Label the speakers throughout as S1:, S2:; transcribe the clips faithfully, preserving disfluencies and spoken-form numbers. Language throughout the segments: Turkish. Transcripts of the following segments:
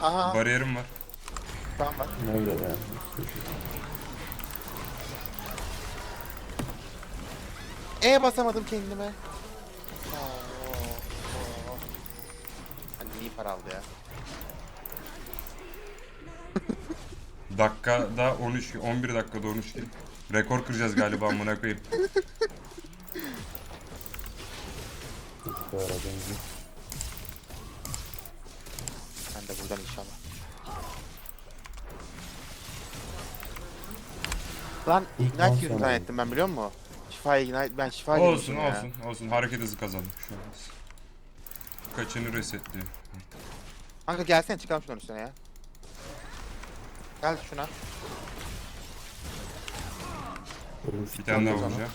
S1: Aha.
S2: Bariyerim var.
S1: Tamam bak.
S3: Ne öyle yani?
S1: E basamadım kendime. Oo, oo. Hani iyi para aldı ya.
S2: Dakikada on üç, on bir dakikada on üç kill. Rekor kıracağız galiba amına koyayım.
S3: Çocuk var benzi.
S1: Ben de buradan inşallah. Lan
S3: İlk
S1: Ignite
S3: on
S1: yüzünden
S3: sonra.
S1: ettim ben biliyor musun? Şifa Ignite, ben şifa
S2: Olsun
S1: girmişim ya.
S2: olsun olsun. Hareket hızı kazandık şu an. Kaçını resetliyor.
S1: Kanka gelsene çıkalım şunun üstüne ya. Gel şuna.
S3: Oğlum
S2: Bir tane daha
S1: Tamam.
S2: vuracağım.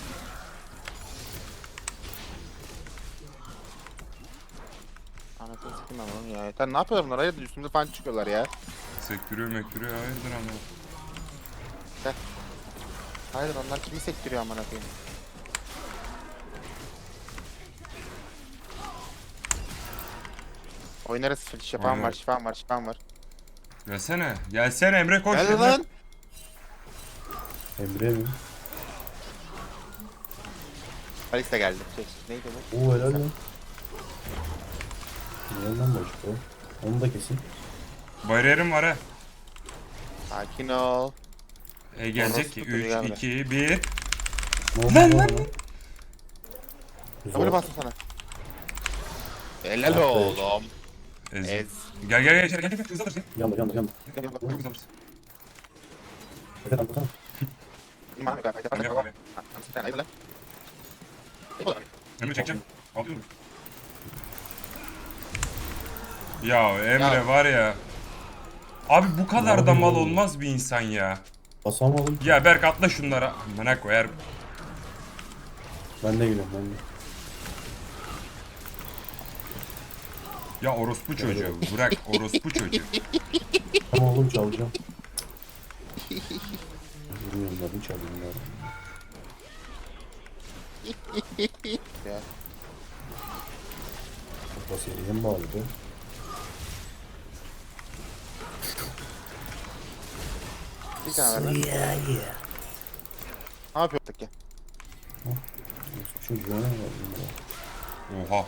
S1: Anasını sikeyim ben onun ya. Yeter ne yapıyorlar bunlar? Hayırdır üstümüze falan çıkıyorlar ya.
S2: Sektiriyor mektiriyor hayırdır ama.
S1: Hayırdır onlar kimi sektiriyor amına koyayım. Oynarız şifam var,
S2: Oynarız.
S1: şifam var, şifam var.
S2: Gelsene. Gelsene Emre koş.
S1: Gel
S2: Emre.
S1: lan.
S3: Emre mi?
S1: Alex de geldi. Şey, neydi bu?
S3: Oo helal lan. Helal lan başka o. Onu da kesin.
S2: Bariyerim var ha.
S1: Sakin ol.
S2: E gelecek
S1: Orospu
S2: ki.
S1: çocuğu gel
S2: üç,
S1: buraya.
S2: iki, bir.
S3: Ne oldu
S2: Lan,
S3: lan?
S2: lan,
S3: Güzel.
S1: Kabul bastım sana. Helal
S3: Aferin.
S1: oğlum.
S2: Ez.
S1: Ez.
S2: Gel gel gel içeri gel gel. Hızlı alırsın.
S3: Yandı yandı yandı.
S2: Çok hızlı alırsın.
S3: Efe atlasana.
S1: İman yok arkadaşlar.
S2: Emre abi.
S1: Sen hayırdır lan? Eyvallah.
S2: Emre çekeceğim. Alıyorum. Ya Emre
S1: Ya.
S2: var ya. Abi bu kadar da
S3: yapayım
S2: mal
S3: oğlum?
S2: olmaz bir insan ya.
S3: Basamadım.
S2: Ya Berk atla şunlara. Amına koyar.
S3: Ben de geliyorum ben de.
S2: Ya orospu çocuğu. Bırak orospu çocuğu.
S3: Tamam oğlum çalacağım. Bilmiyorum ben çalayım ya.
S1: Ya.
S3: Kafa seriye mi bağladı?
S1: Bir tane ver lan. Ne yapıyorduk ya?
S3: Çocuğuna ne var?
S2: Oha.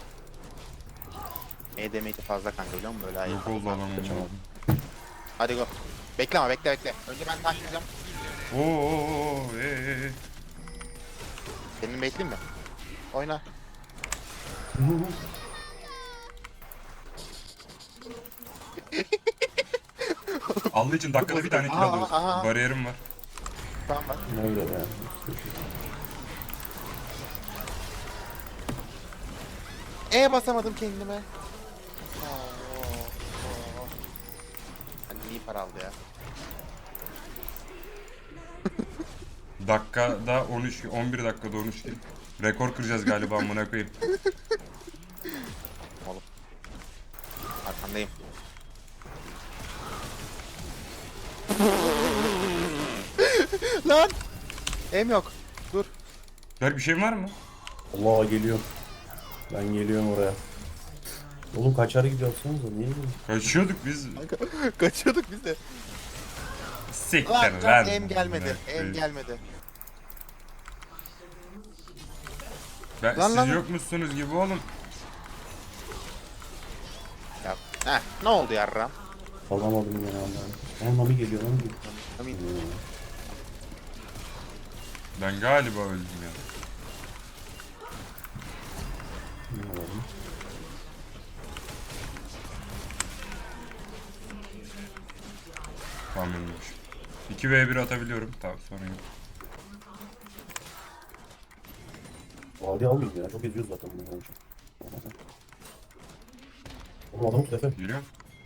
S1: E demeyi de fazla kanka biliyor musun böyle hayır.
S2: Yok oldu adam.
S3: Kaçamadım.
S1: Hadi go. Bekle ama bekle bekle. Önce ben taşlayacağım.
S2: Oo, oo, oo, ee, ee.
S1: Senin bekleyeyim mi? Oyna.
S2: Allah için dakikada bir tane kill
S1: Aa,
S2: alıyoruz.
S1: aa.
S2: Bariyerim var.
S1: Tamam bak.
S3: Ne öyle yani?
S1: E basamadım kendime. Oo, oo. Hani iyi para aldı ya.
S2: Dakikada on üç, on bir dakikada on üç kill. Rekor kıracağız galiba amına koyayım.
S1: Oğlum. Arkandayım. Lan! Em yok. Dur.
S2: Berk bir şeyin var mı?
S3: Allah geliyorum. Ben geliyorum oraya. Oğlum kaçar gidiyorsunuz da niye gidiyorsun?
S2: Kaçıyorduk biz.
S1: Kaçıyorduk biz de.
S2: Siktir
S1: Lan
S2: lan.
S1: lan em gelmedi.
S2: Amına
S1: Em
S2: koyayım.
S1: gelmedi.
S2: Ben,
S1: Lan,
S2: siz
S1: lan.
S2: yok musunuz gibi oğlum.
S1: Ya. Heh, ne oldu yarram?
S3: Alamadım ya Allah'ım. Ama Mami geliyor lan.
S1: Amin.
S2: Ben galiba öldüm ya.
S3: Ne alalım?
S2: Tamam ölmüş. iki ve bir atabiliyorum. Tamam sorun yok.
S3: Vadi almayayım ya. Çok eziyoruz zaten bunu. Oğlum adamı tut Efe.
S2: Geliyor.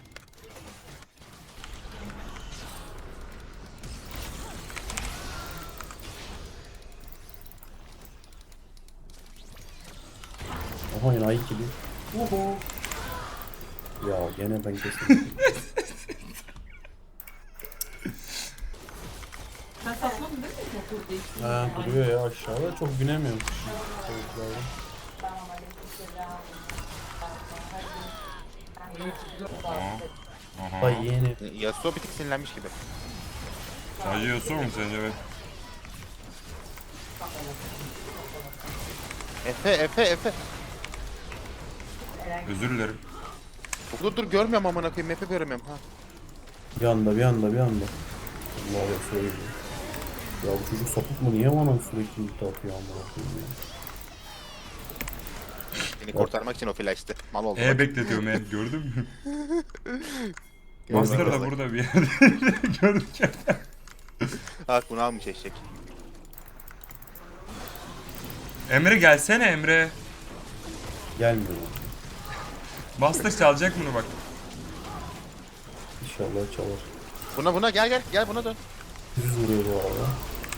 S3: Aha yine ay ikili. Oho. Ya gene ben kestim.
S4: Sen satmadın değil mi motor değiştirmeyi?
S3: Ha duruyor ya aşağıda. Çok binemiyorum. Çocuklarım.
S4: Tamam aleykümselam.
S2: Aa. Aha.
S3: Vay yeğeni.
S1: Yasuo bir tık sinirlenmiş gibi.
S2: Sadece Yasuo mu sence? Evet.
S1: Efe Efe Efe.
S2: Özür dilerim.
S1: Dur dur görmüyorum amına koyayım. Efe göremiyorum ha.
S3: Bir anda bir anda bir anda. Allah Allah söyleyeyim. Ya bu çocuk sapık mı? Niye bana sürekli ulti atıyor amına koyayım ya?
S1: Beni kurtarmak için o flash'tı. Mal oldu.
S2: E
S1: bak.
S2: bekletiyorum e gördün mü?
S1: Gördüm,
S2: Master da
S1: gördüm.
S2: burada bir yerde. Gördük ya.
S1: Bak bunu almış eşek.
S2: Emre gelsene Emre.
S3: Gelmiyor.
S2: Master çalacak bunu bak.
S3: İnşallah çalar.
S1: Buna buna gel gel gel buna dön.
S3: Düz vuruyor bu arada.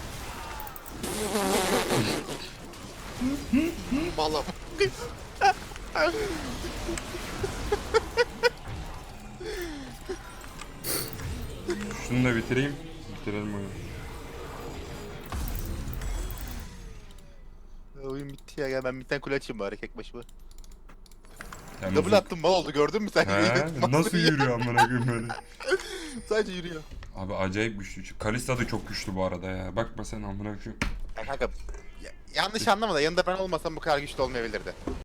S1: Vallahi.
S2: Şunu da bitireyim. Bitirelim oyunu.
S1: Oyun bitti ya. Gel ben bir tane kule açayım bari tek başıma.
S2: Sen
S1: Double
S2: nasıl-
S1: attım mal oldu gördün mü sen?
S2: He, nasıl yürüyor amına koyayım böyle?
S1: Sadece yürüyor.
S2: Abi acayip güçlü. Kalista da çok güçlü bu arada ya. Bakma sen amına koyayım.
S1: Ya kanka ya- yanlış anlama da yanında ben olmasam bu kadar güçlü olmayabilirdi.